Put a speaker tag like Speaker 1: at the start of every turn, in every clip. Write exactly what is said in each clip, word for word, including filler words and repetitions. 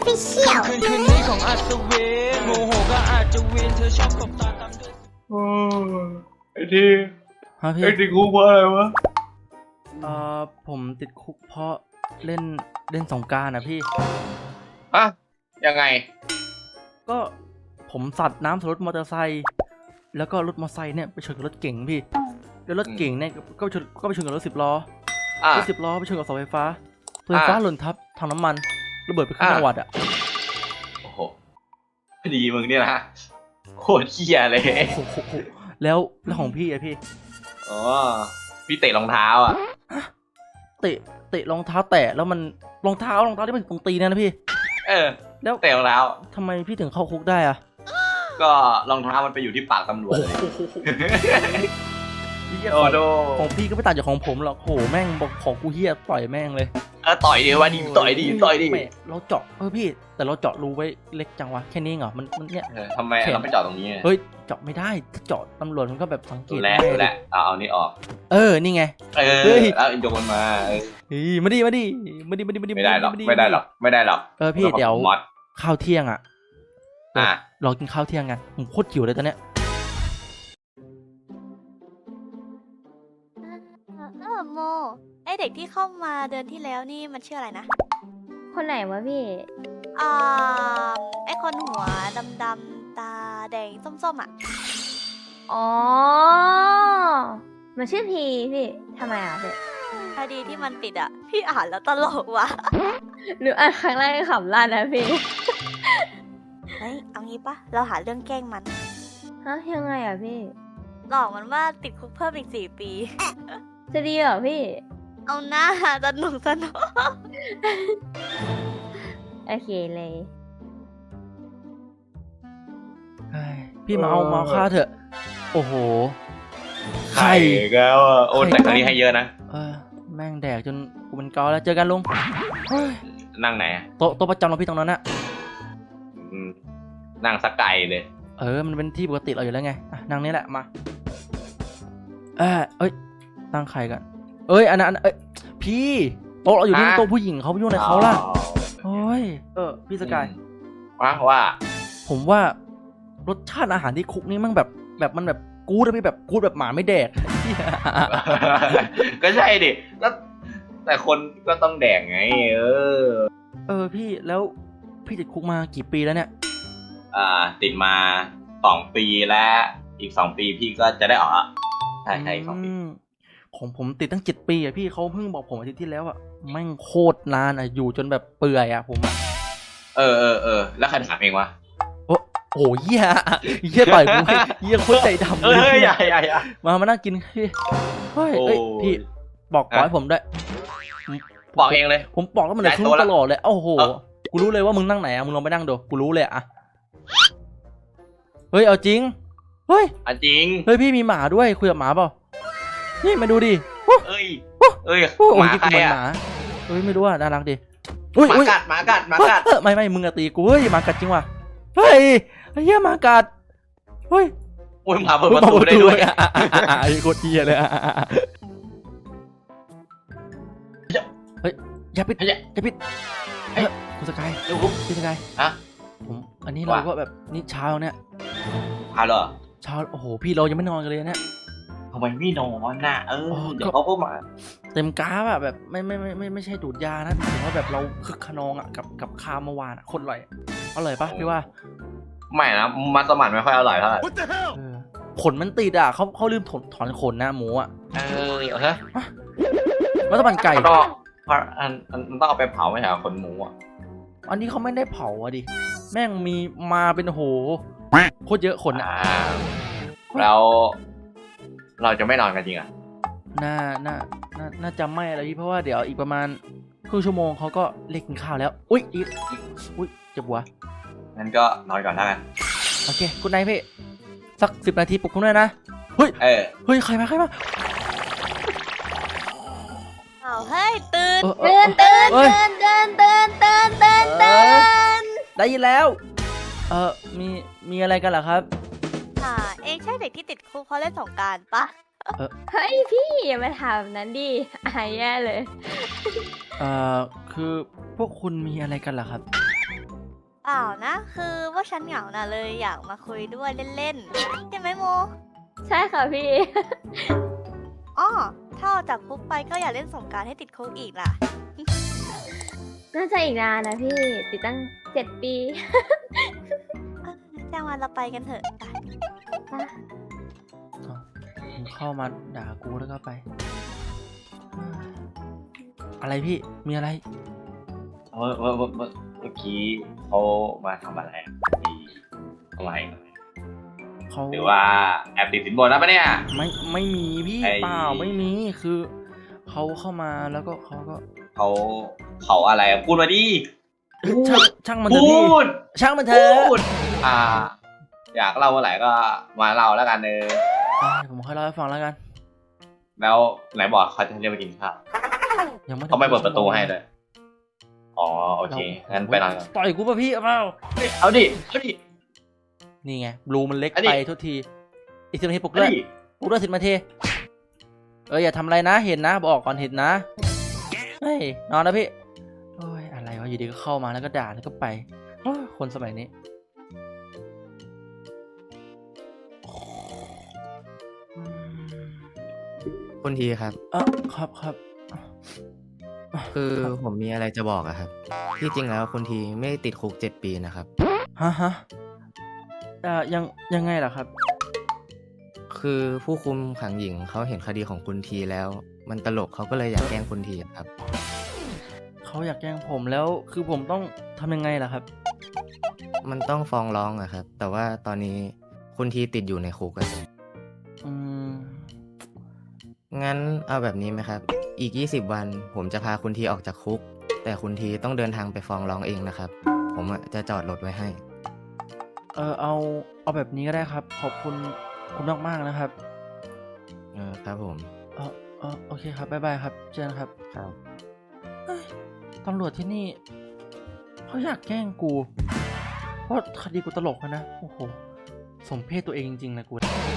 Speaker 1: Official
Speaker 2: คืนคืนนี้ของอัศวินโมโหก็อาจจะวินเธอชอบตบตาตามด้วย
Speaker 3: โอ้ไอ้ที่
Speaker 4: ฮะพี่
Speaker 3: ไอ้ติดคุกเพราะอะไรวะ
Speaker 4: เอ่อผมติดคุกเพราะเล่นเล่นสงกรานต์นะพี่
Speaker 3: อะยังไง
Speaker 4: ก็ผมสัตว์น้ำใส่รถมอเตอร์ไซค์แล้วก็รถมอเตอร์ไซค์เนี่ยไปชนกับรถเก๋งพี่แล้วรถเก๋งเนี่ยก็ไปชนก็ไปชนกับรถสิบล้อ
Speaker 3: อ่ะ
Speaker 4: รถสิบล้อไปชนกับเสาไฟฟ้าเสาไฟฟ้า
Speaker 3: อ่ะ
Speaker 4: หล่นทับถังน้ำมันระเบิดไปครึ่ง
Speaker 3: อ่ะ
Speaker 4: จังหวัดอ่ะ
Speaker 3: โอ้โหดีมึงเนี่ยนะโคตรเหี้ยเลย
Speaker 4: โอ้โหแล้วแล้วของพี่อะพี่
Speaker 3: อ๋อพี่เตะรองเท้าอ่ะ
Speaker 4: เตะเตะรองเท้าแตะแล้วมันรองเท้ารองเท้าที่มันตรงตีนนะพี่
Speaker 3: เออ
Speaker 4: แล้ว
Speaker 3: เตะรองเท้า
Speaker 4: ทำไมพี่ถึงเข้าคุกได้อะ
Speaker 3: ก็รองเท้ามันไปอยู่ที่ปากตำรวจเลย
Speaker 4: เหี้ย
Speaker 3: โอ้โด
Speaker 4: ของพี่ก็ไม่ต่างจากของผมหรอกโหแม่งบอกของกูเฮียต่อยแม่งเลย
Speaker 3: เออต่อยดิวะดิต่อยดิต่อยดิ
Speaker 4: แม่เราเจาะเออพี่แต่เราเจาะรูไว้เล็กจังวะแค่นี้เหรอมันมันเนี่ย
Speaker 3: เออทำไมเราไม่จอดตรงนี้อะ
Speaker 4: เฮ้ยเจาะไม่ได้ถ้าเจาะตำรวจมันก็แบบสังเก
Speaker 3: ดู
Speaker 4: ต
Speaker 3: แล
Speaker 4: ได้
Speaker 3: ดูแลเอาเอานี่ออก
Speaker 4: เออนี่ไง
Speaker 3: เอ
Speaker 4: เฮ้
Speaker 3: อย แล้วโยนมาเออ
Speaker 4: เฮ้ยมาดิมาดิมาดิมาดิมาดิ
Speaker 3: ไม่ได้หรอกไม่ได้หรอกไม่ได้หรอก
Speaker 4: เออพี่เดี๋ยว
Speaker 3: มอด
Speaker 4: ข้าวเที่ยงอ่ะ
Speaker 3: อ่ะ
Speaker 4: เรากินข้าวเที่ยงกันผมโคตรหิวเลยตอนเนี้ย
Speaker 1: เออโมไอเด็กที่เข้ามาเดือนที่แล้วนี่มันชื่ออะไรนะ
Speaker 5: คนไหนวะพี่
Speaker 1: อ่าไอคนหัวดำๆตาแดงส้มๆอ่ะ
Speaker 5: อ๋อ มันชื่อพีพี่ทำไมอ่ะพี่
Speaker 1: คดีที่มันติดอ่ะ พี่อ่านแล้วตลกว่ะ
Speaker 5: หนูอ่านครั้งแรกก็ขำลั่นนะพี่
Speaker 1: เฮ้ยเอางี้ปะเราหาเรื่องแกล้งมัน
Speaker 5: ฮะยังไงอ่ะพี่
Speaker 1: หลอกมันว่าติดคุกเพิ่มอีกสี่ปี
Speaker 5: จะดีเหรอพี่
Speaker 1: เอาหน้าสนุกสนุก
Speaker 5: โอเคเลย
Speaker 4: เฮ้ยพี่มาเอามาเอาข้าวเถอะโอ้โห
Speaker 3: ไข่แล้วอ่ะโอ้แต่ครั้งนี้ให้เยอะนะ
Speaker 4: เออแม่งแดกจนกูเป็นเกาแล้วเจอกันลุงเฮ้ย
Speaker 3: นั่งไหนอะ
Speaker 4: โต๊ะโต๊ะประจำเราพี่ตรงนั้นอะ
Speaker 3: อืมนั่งสักไก่เลย
Speaker 4: เออมันเป็นที่ปกติเราอยู่แล้วไงอ่ะนั่งนี่แหละมาเออเอ้ยนั่งใครกันเอ้ยอันนั้นอันนั้นเอ้ยพี่โต๊ะเราอยู่นี่โต๊ะผู้หญิงเขาไปยุ่งอะไรเขาล่ะโอ้ยเออพี่สกาย
Speaker 3: ว่าว่า
Speaker 4: ผมว่ารสชาติอาหารที่คุกนี่มันแบบแบบมันแบบกูดอะพี่แบบกูดแบบหมาไม่แดก
Speaker 3: ก็ใช่ดิแล้วแต่คนก็ต้องแดกไง เออ
Speaker 4: เออพี่แล้วพี่ติดคุกมากี่ปีแล้วเนี่ย
Speaker 3: อ่า ติดมาสองปีแล้วอีกสองปีพี่ก็จะได้ออกอ่ะใช่ใช่สองปี
Speaker 4: มของผมติดตั้งเจ็ดปีอะพี่เขาเพิ่งบอกผมอาทิตย์ที่แล้วอะแม่งโคตรนานอะอยู่จนแบบเปื่อยอะผมอะ
Speaker 3: เออเออเออแล้วใครถามเองวะ
Speaker 4: โอ้โหเหี้ยเหี้ยต่อยกูเหี้ยโคตรใจดำ
Speaker 3: เอ
Speaker 4: เลย
Speaker 3: อใหญ่ใหญ่ใหญ่
Speaker 4: มามานั่งกินพี่เฮ้ย
Speaker 3: โอ้
Speaker 4: เอ้ยพี่บอกขอ
Speaker 3: อ่ะ
Speaker 4: ให้ผมด้วย
Speaker 3: บอกเองเลย
Speaker 4: ผมบอกแล้วมันเลย
Speaker 3: ย้าย
Speaker 4: ทุ
Speaker 3: โต๊ะ
Speaker 4: ต
Speaker 3: ละ
Speaker 4: ลอดเลยโอ้โห
Speaker 3: เออ
Speaker 4: กูรู้เลยว่ามึงนั่งไหนอะมึงลองไปนั่งดูกูรู้เลยอะเฮ้ยเอาจริงเฮ้ย
Speaker 3: อ่ะจริง
Speaker 4: เฮ้ยพี่มีหมาด้วยคุยกับหมาเปล่านี่มาดูดิ
Speaker 3: เอ้ยเอ้ย
Speaker 4: โอ้
Speaker 3: ห
Speaker 4: โห
Speaker 3: มา
Speaker 4: ที่
Speaker 3: ใคร
Speaker 4: กูเหมือนห
Speaker 3: อ่ะ
Speaker 4: มาเฮ้ยไม่รู้อ่ะน่ารักดิอุ้ย
Speaker 3: หมา
Speaker 4: อุ้ย
Speaker 3: กัดหมากัดหมากัด
Speaker 4: เฮ้ยไม่ไม่มึงอะตีกูเฮ้ยหมากัดจริงว่ะเฮ้ยไอ้เหี้ยหมากัดเฮ้ย
Speaker 3: โอ้ยหมาเปิดประตูได้ด้วย
Speaker 4: อ่ะอ่ะอ่ะอ่ะไอ้โคตรเหี้ยเลยอ่ะอ่ะอ่ะเฮ้ยอย่าปิด
Speaker 3: เฮ้ย
Speaker 4: อย่าปิด
Speaker 3: เฮ้ย
Speaker 4: เฮ้ยคุณสกาย
Speaker 3: เดี๋ยวปุ๊บ
Speaker 4: พี่สกาย
Speaker 3: ฮะ
Speaker 4: ผมอันนี้เรา
Speaker 3: ว่า
Speaker 4: ก็แบบนี่เช้าเนี่ย
Speaker 3: พาเหรอ
Speaker 4: เช้าโอ้โหพี่เรายังไม่นอนกันเลยเนี่ย
Speaker 3: ทำไมไม่นอนน่ะเออ
Speaker 4: อ๋อ
Speaker 3: เดี๋ยวเขาก็มา
Speaker 4: เต็มกราฟอะแบบไม่ไม่ไม่ไม่ไม่ใช่ดูดยานะถือว่าแบบเราคึกขนองอะกับกับข้าวเมื่อวานอะคนอร่อยอร่อยปะพี่ว่า
Speaker 3: ไม่นะมัสมั่นไม่ค่อยอร่อยเท่าไหร่
Speaker 4: เออขนมันติดอะเขาเขาลืมถอนถอนขนนะหมูอะ
Speaker 3: เออเฮ้ย
Speaker 4: รัฐบาลไก่
Speaker 3: มันต้องเพราะอันมันต้องเอาไปเผาไม่ใช่เหรอขนหมูอ่ะ
Speaker 4: อันนี้เขาไม่ได้เผาอะดิแม่งมีมาเป็นโหโคตรเยอะขนอะ
Speaker 3: อ่าแล้วเราจะไม่นอนกันจริงอ่ะ
Speaker 4: น่าน่าน่าน่าจะไม่อะไรพี่เพราะว่าเดี๋ยวอีกประมาณครึ่งชั่วโมงเขาก็เรียกกินข้าวแล้วอุ้ยอีกอุ้ยเจ็บหัว
Speaker 3: งั้นก็นอนก่อนแล้วกัน
Speaker 4: โอเคคุณนายพี่สักสิบนาทีปลุกคุณด้วยนะเฮ้ย
Speaker 3: เออ
Speaker 4: เฮ้ยใครมาใครมา
Speaker 1: เอาเฮ้ยตื่น
Speaker 4: เออเอ
Speaker 5: เตื
Speaker 4: อ
Speaker 5: อนเตือนเตือนเตือนเตือนเตือนเตือน
Speaker 4: ได้ยินแล้ว เออมีมีอะไรกันเหรอครับ
Speaker 1: อ่าเองใช่เด็กที่ติดคุกเพราะเล่นสงกรานต์ปะ
Speaker 5: เฮ้ยพี่อย่ามาถามแบบนั้นดิอายแย่เลย
Speaker 4: เอ่อคือพวกคุณมีอะไรกันเหรอครับ
Speaker 1: เปล่านะ คือว่าฉันเหงาน่ะเลยอยากมาคุยด้วยเล่นๆใช่ไหมโม
Speaker 5: ใช่ค่ะพี่
Speaker 1: อ้อถ้าออกจากคุกไปก็อย่าเล่นสงกรานต์ให้ติดคุกอีกล่ะ
Speaker 5: น่าจะอีกนานนะพี่ ติดตั้งเจ็ดปี
Speaker 1: เอ้อจ้างวันเราไปกันเถอะไป
Speaker 4: มึงเข้ามาด่ากูแล้วก็ไป อะไรพี่มีอะไร
Speaker 3: เมื่อเมื่อเมื่อเมื่อเมื่อกี้เขามาทำอะไรอะมีทำไม
Speaker 4: เขา
Speaker 3: หรือว่าแอบติดสินบนนะปะเนี่ย
Speaker 4: ไม่ไม่มีพี่
Speaker 3: ไอ้
Speaker 4: เปล่าไม่มีคือเขาเข้ามาแล้วก็เขาก็
Speaker 3: เขาเขาอะไรอะพูดมาดิ
Speaker 4: ช่างช่างมันเถอะ
Speaker 3: พู
Speaker 4: พี่
Speaker 3: ด
Speaker 4: ช่างมันเถ
Speaker 3: พู
Speaker 4: อะ
Speaker 3: ดอ่า อยากเล่าเมื่อไหร่ก็มาเล่าแล้วกันเออ
Speaker 4: อ่ะผมค่อยเล่าให้ฟังแล้วกัน
Speaker 3: แล้วไหนบอกเขาจะเรียกไปกินข้าว
Speaker 4: ยังไม่
Speaker 3: เขาไม่เปิดประตูให้เลยอ๋อโอเคงั้นไปนอนก่อน
Speaker 4: ต่อยกูป่ะพี่เอาเปล่า
Speaker 3: เอาดิเอาดิ
Speaker 4: นี่ไงบลูมันเล็ก
Speaker 3: อันนี้
Speaker 4: ไปทุกทีอีกสิบนาทีปลุก
Speaker 3: เอา
Speaker 4: ด้วย
Speaker 3: ดิ
Speaker 4: ปลุกด้วยสิบนาทีเอออย่าทำอะไรนะเห็นนะบอกก่อนเห็นนะเฮ้ยนอนนะพี่โอ้ยอะไรวะอยู่ดีก็เข้ามาแล้วก็ด่าแล้วก็ไปโอ้ยคนสมัยนี้
Speaker 6: คุณทีครับ
Speaker 4: เออครับครับ
Speaker 6: คือผมมีอะไรจะบอกอะครับ ที่จริงแล้วคุณทีไม่ได้ติดคุกเจ็ดปีนะครับ
Speaker 4: ฮะฮะเอ่อยังยังไงล่ะครับ
Speaker 6: คือผู้คุมขังหญิงเขาเห็นคดีของคุณทีแล้ว มันตลกเขาก็เลยอยากแกล้งคุณทีอะครับ
Speaker 4: เขาอยากแกล้งผมแล้วคือผมต้องทำยังไงล่ะครับ
Speaker 6: มันต้องฟ้องร้องอะครับ แต่ว่าตอนนี้คุณทีติดอยู่ในคุกอะครับ
Speaker 4: อืม
Speaker 6: งั้นเอาแบบนี้ไหมครับ อีกยี่สิบวันผมจะพาคุณทีออกจากคุก แต่คุณทีต้องเดินทางไปฟ้องร้องเองนะครับ ผมอะจะจอดรถไว้ให้
Speaker 4: เออเอาเอาแบบนี้ก็ได้ครับ ขอบคุณคุณมากมากๆนะครับ
Speaker 6: เออครับผม
Speaker 4: เออเออโอเคครับบ๊ายบายครับเจอกันครับ
Speaker 6: ครับ
Speaker 4: เฮ้ยตำรวจที่นี่เขาอยากแกล้งกูเพราะคดีกูตลกอะนะโอ้โหสมเพศตัวเองจริงๆนะกู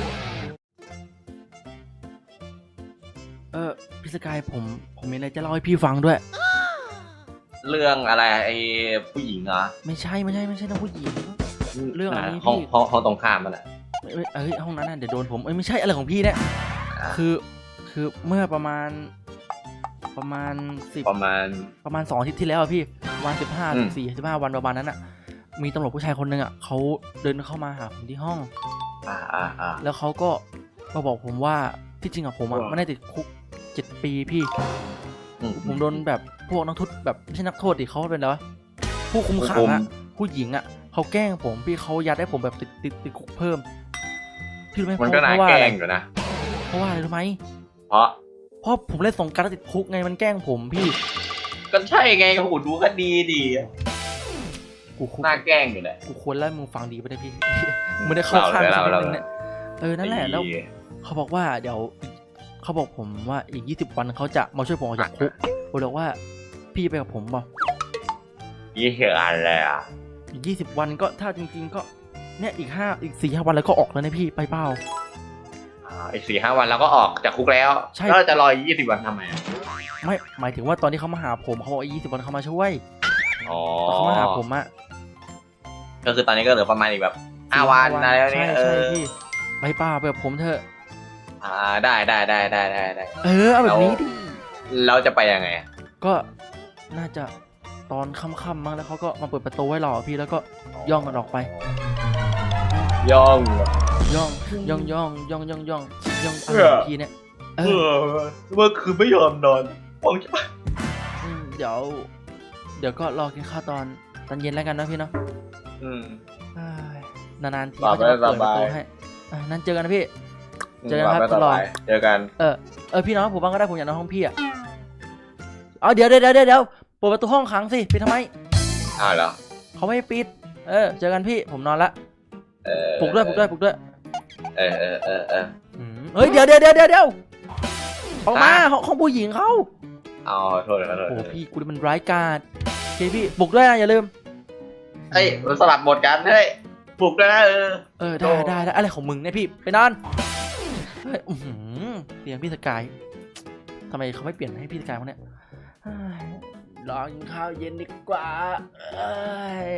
Speaker 4: เออพี่สกายผมผมมีอะไรจะเล่าให้พี่ฟังด้วย
Speaker 3: เรื่องอะไรไอ้ผู้หญิงเหรอ
Speaker 4: ไม่ใช่ไม่ใช่ไม่ใช่นะผู้หญิง เรื่องอะไร
Speaker 3: ห้อง
Speaker 4: พี่
Speaker 3: ห้องห้องตรงข้ามมันแหละ
Speaker 4: เอ้ยเอ้ยห้องนั้นน่ะเดี๋ยวโดนผมเอ้ยไม่ใช่อะไรของพี่เนี่ยคือคือเมื่อประมาณประมาณสิบ
Speaker 3: ประมาณ
Speaker 4: ประมาณสองอาทิตย์ที่แล้วอะพี่ประมาณสิบห้า
Speaker 3: อืม
Speaker 4: สี่สิบห้าวันประมาณนั้นอะมีตำรวจผู้ชายคนหนึ่งอะเขาเดินเข้ามาหาผมที่ห้อง
Speaker 3: อ่าอ่าอ่า
Speaker 4: แล้วเขาก็มาบอกผมว่าที่จริงอะผมอะ
Speaker 3: ว่า
Speaker 4: ไม่ได้ติดคุกเจ็ดปีพี่
Speaker 3: อืม
Speaker 4: ผมโดนแบบพวกนักโทษแบบไม่ใช่นักโทษดิเขาเป็นอะไรวะผู้คุมขัง
Speaker 3: ผู้คุ
Speaker 4: อะ
Speaker 3: ม
Speaker 4: ผู้หญิงอะเขาแกล้งผมพี่เขายัดให้ผมแบบติดติดติดคุกเพิ่มพี่รู้ไหม
Speaker 3: มันก็น่า
Speaker 4: เพราะว่า
Speaker 3: แก
Speaker 4: อะไร
Speaker 3: ล้งอยู่นะ
Speaker 4: เพราะว่าอะไรรู้ไหม
Speaker 3: เพราะ
Speaker 4: เพราะผมเล่นสงกรานต์แล้วติดคุกไงมันแกล้งผมพี่
Speaker 3: ก็ใช่ไงโอ้โหดูก็ดีดี
Speaker 4: กูคุก
Speaker 3: น่าแกล้งอยู่แหละ
Speaker 4: กูควรแล้วมึงฟังดีไปได้พี่ มึงไม่ได้เข้าข้าง
Speaker 3: เรา
Speaker 4: สัก
Speaker 3: เรา
Speaker 4: นิดนึงเนี่ยเออนั่นแหละแล้ว
Speaker 3: ไอ้
Speaker 4: เขาบอกว่าเดี๋ยวเขาบอกผมว่าอีกยี่สิบวันเขาจะมาช่วยผมออกจากคุกผมบอกว่าพี่ไปกับผมเปล่า
Speaker 3: ยี่เหียอะไรอ่ะ
Speaker 4: อีกยี่สิบวันก็ถ้าจริง ๆ ก็เนี่ยอีกห้าอีกสี่ห้าวันแล้วก็ออกแล้วนะพี่ไปเปล่า
Speaker 3: อ่าอีกสี่ห้าวันเราก็ออกจากคุกแล้ว
Speaker 4: ใช่
Speaker 3: แล้วเราจะรอยี่สิบวันทำไมอะ
Speaker 4: ไม่หมายถึงว่าตอนที่เขามาหาผมเขาบอกยี่สิบวันเขามาช่วย
Speaker 3: อ๋อ
Speaker 4: เขามาหาผมอะ
Speaker 3: ก็คือตอนนี้ก็เหลือประมาณอีกแบบห้าวันอะไรแบบ
Speaker 4: ใช่
Speaker 3: นี้เอ
Speaker 4: ใช่
Speaker 3: อ
Speaker 4: พี่ไปเปล่าไปกับผมเถอะ
Speaker 3: อ่าได้ได้ได้ได้ได้ได้
Speaker 4: เออเอาแบบนี้ดิ
Speaker 3: เราจะไปยังไงอะ
Speaker 4: ก็น่าจะตอนค่ำๆมั้งแล้วเขาก็มาเปิดประตูไว้รอพี่แล้วก็ย่องกันออกไป
Speaker 3: ย่อง
Speaker 4: ย่องย่องย่องย่องย่องย่องย่องอะไร
Speaker 3: เออ
Speaker 4: ของพี่เนี่ยเอ
Speaker 3: เอ
Speaker 4: อ
Speaker 3: อเมื่อคืนไม่ยอมนอนมองจะ
Speaker 4: มเดี๋ยว เดี๋ยวก็รอกินข้าวตอนตอนเย็นแล้วกันนะพี่เนาะ
Speaker 3: อืม
Speaker 4: เอ้ยนานๆที
Speaker 3: หลับ
Speaker 4: เขาจะมาเปิด
Speaker 3: ส
Speaker 4: ประ
Speaker 3: บาย
Speaker 4: ตูให้อ่ะนั่นเจอกันนะพี่ เจอกันครับ
Speaker 3: ไม่
Speaker 4: ตลอด
Speaker 3: สายเจอกัน
Speaker 4: เออเออพี่น้องผมบ้างก็ได้ผมอยากนอนห้องพี่อ่ะเอาเดี๋ยวเดี๋ยวเดี๋ยวเดี๋ยวเปิดประตูห้องขังสิปิดทำไม
Speaker 3: อ้าวเหรอ
Speaker 4: เขาไม่ให้ปิด เออเจอกันพี่ผมนอนละ
Speaker 3: เออ
Speaker 4: ปลุกด้วยปลุกด้วยปลุกด้วย
Speaker 3: เออเออเออเออ
Speaker 4: อืมเฮ้ยเดี๋ยวเดี๋ยวเดี๋ยวเดี๋ยวเดี๋ยวออกมา
Speaker 3: อ่ะ
Speaker 4: ห้องห้องผู้หญิงเขา
Speaker 3: เอาโทษเลยโทษ
Speaker 4: โอ้
Speaker 3: เลย
Speaker 4: พี่กูนี่มันร้ายกาจโอเคพี่ปลุกด้วยนะอย่าลืม
Speaker 3: เอ้ยมันสลับบทกันเฮ้ยปลุกด้วยนะเออ
Speaker 4: เออได้
Speaker 3: โอ้
Speaker 4: ได้ได้อะไรของมึงเนี่ยพี่ไปนอนเฮ้ยอื้อหือเตียงพี่สกายทำไมเขาไม่เปลี่ยนให้พี่สกายมั้งเนี่ยเฮ้ยรอกินข้าวเย็นดีกว่าเอ้ย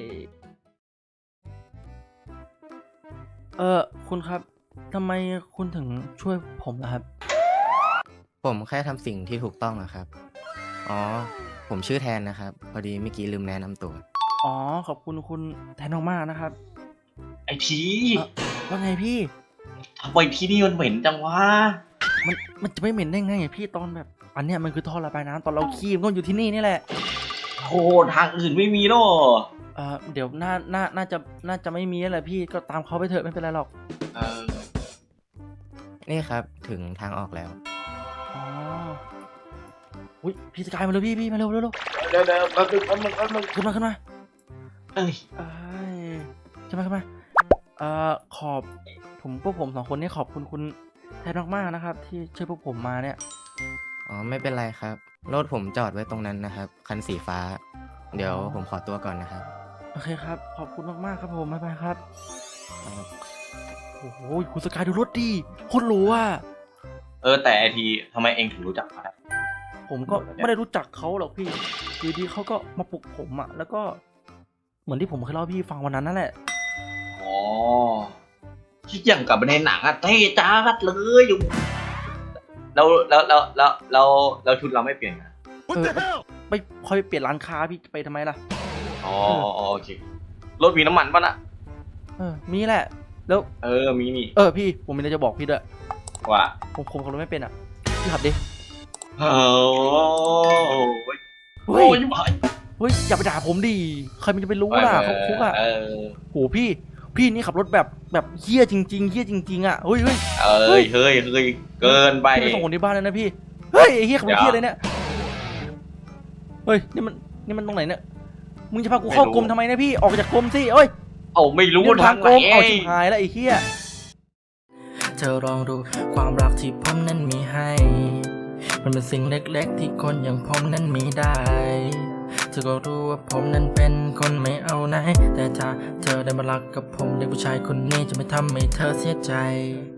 Speaker 4: เออคุณครับทำไมคุณถึงช่วยผมล่ะครับ
Speaker 6: ผมแค่ทำสิ่งที่ถูกต้องอะครับ อ๋อ ผมชื่อแทนนะครับ พอดีเมื่อกี้ลืมแนะนำตัว
Speaker 4: อ๋อขอบคุณคุณแทนมากๆนะครับ
Speaker 3: ไอที
Speaker 4: เอ่อว่าไงพี่
Speaker 3: ทำไมที่นี่มันเหม็นจังวะ
Speaker 4: มันมันจะไม่เหม็นได้ไงอะพี่ตอนแบบอันเนี้ยมันคือท่อระบายน้ำตอนเราขี้มันก็อยู่ที่นี่นี่แหละ
Speaker 3: โอ้ทางอื่นไม่มีหรอ
Speaker 4: เออเดี๋ยวน่าน่าน่าจะน่าจะไม่มีแล้วแหละพี่ก็ตามเขาไปเถอะไม่เป็นไรหรอก
Speaker 3: เออ
Speaker 6: นี่ครับถึงทางออกแล้ว
Speaker 4: อ๋ออุ้ยพี่สกายมาเร็วพี่พี่มาเร็วเร็วเร็ว
Speaker 3: เดี๋ยวเดี๋ยวแป๊บนึงแป๊บนึงแป๊บนึง
Speaker 4: ขึ้นมาขึ้นมา
Speaker 3: เอ้ย
Speaker 4: เอ้ยขึ้นมาขึ้นมาเอ่อขอบผมพวกผมสองคนนี่ขอบคุณคุณแทนมากๆนะครับ ที่ช่วยพวกผมมาเนี่ย
Speaker 6: อ๋อ ไม่เป็นไรครับ รถผมจอดไว้ตรงนั้นนะครับ คันสีฟ้า เดี๋ยวผมขอตัวก่อนนะครับ
Speaker 4: โอเคครับขอบคุณมากๆครับผมบ๊ายบายครับโอ้โหคุณสกายดูรถดีโคตรหรูอ่ะ
Speaker 3: เออแต่ไอทีทำไมเองถึงรู้จักเขาได้
Speaker 4: ผมก็ไม่ได้รู้จักเขาหรอกพี่อยู่ดีเขาก็มาปลุกผมอ่ะแล้วก็เหมือนที่ผมเคยเล่าให้พี่ฟังวันนั้นนั่นแหละ
Speaker 3: อ๋อคิดอย่างกับในหนังอะเท่จ้าดเลยอยู่แล้วแล้วแล้วแล้วแล้วแล้วชุดเราไม่เปลี่ยนกัน
Speaker 4: เออไปคอยไปเปลี่ยนร้านค้าพี่ไปทำไมล่ะ
Speaker 3: อ๋อโอเครถมีน้ำมันป่ะน่ะ
Speaker 4: เออมีแหละแล้ว
Speaker 3: เออมีนี่
Speaker 4: เออพี่ผมมีอะไรจะบอกพี่ด้วย
Speaker 3: ว่า
Speaker 4: ผมผมขับรถไม่เป็นอ่ะพี่ขับดิ
Speaker 3: โอ้ย
Speaker 4: เฮ้ย
Speaker 3: โอ้ยบอย
Speaker 4: เฮ้ยอย่าไปด่าผมดิใครมันจะไปรู้ล่ะเขาคุกอ่ะ
Speaker 3: เออ
Speaker 4: โหพี่พี่นี่ขับรถแบบแบบเฮี้ยจริงๆเฮี้ยจริงๆอ่ะเฮ้ยเฮ้ย
Speaker 3: เอ้ยเฮ้ยเฮ้ยเกินไป
Speaker 4: พี่ไปส่งคนที่บ้านเลยนะพี่เฮ้ยไอ้เฮี้ยขับรถเฮี้ยเลยเนี่ยเฮ้ยนี่มันนี่มันตรงไหนเนี่ยมึงจะพากูเข้ากรมทำไมเนี่ยพี่ออกจากกรมสิเอ้ย
Speaker 3: เอาไม่รู้
Speaker 4: นี่มัน
Speaker 3: ทา
Speaker 4: ทาง ง
Speaker 3: ไห
Speaker 4: ก
Speaker 3: น
Speaker 4: รมเอาชิบหายแล้วไอ้เฮี้ยเธอลองดูความรักที่ผมนั้นมีให้ มันเป็นสิ่งเล็กๆที่คนอย่างผมนั้นมีได้เธอก็รู้ว่าผมนั้นเป็นคนไม่เอาไหนแต่ถ้าเธอได้มารักกับผมเด็กผู้ชายคนนี้จะไม่ทำให้เธอเสียใจ